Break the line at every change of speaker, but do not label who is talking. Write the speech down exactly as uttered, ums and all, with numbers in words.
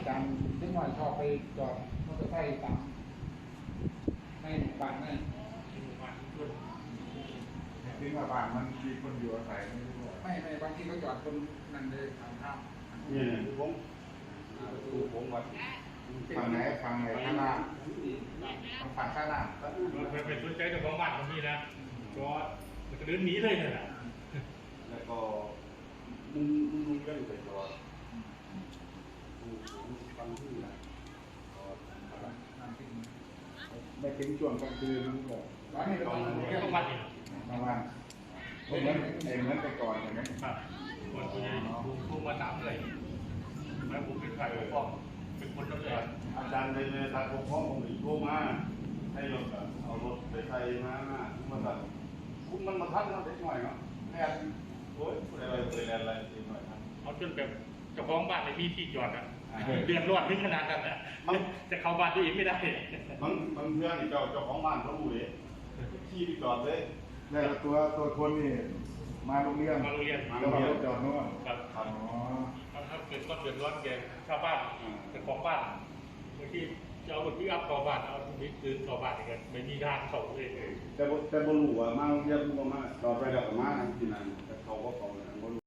จารย์เล็กน้อยชอบไปจอดมอเตอร์ไซค์ตามในหมู่บ้านนั่น
ที่ว่าบ้านมันมีคนอยู่อาศัยไม่รู้
ไม่ไม่บางทีเขาจอดคนนั่นเลยทางข้าม
นี่ผมดูผมวัด
ฝั่งไหนฝั่งไหนข้างล่างฝั่งข้างล่าง
มันเป็นสนใจเจ้าของบ้านตรงนี้นะก็มันจะเดินหนีเลยเนี่ยแหละ
แล้วก็มึงมึงเรื่องไปจอดดูผมฟังที่นะก็
ไม่ถึงช่วงกลางคืนมันก็
ร้านนี้เราต้อง
เจ้าของบ้านนี่
บางวันเหมือนไอ้เหมือนแต่ก่อนเห็นไหม
ครับคนคนนี้ผมพูดมาถามเลยแล้วผมเป็นใครผมก็เป็นคนรับเลย
อาจารย์ในในทางปกครองผมอีกโทรมาให้รถเอารถไปไทยมามาตัดคุณมันมาทัดนะเด็กหน่อยเนาะแค่โอ้ยอะไรอะไรอะไรเด็กหน่อยครับ
เอาจนแบบเจ้าของบ้านในมีที่จอดอ่ะเดือดร้อนถึงขนาดนั้นอ่ะจะเข้าบ้านตัวเองไม่ได้
บางบางเพื่อนเจ้าเจ้าของบ้านเขารู้เองที่จอดเลย
แล้วตัวตัวคนนี่มาโรงเรียน
มาโรงเรียน
แล้วเราจอดโน่น
ครับ
อ๋อ
ถ้าเกิดก็เดือดร้อนแกชาวบ้านเจ้าของบ้านบางทีจะเอารถพิกอัพเข้าบ้านเอาบิ๊กซื้อเข้าบ้านอย่างเงี้ยไม่มีทางเข้าเลย
แต่แต่บรู้ว่ามาโรงเรียนบ่มาจอดไปแล้วก็มาที่นั่นแต่เขาก็เขาเนี่ยบ่รู้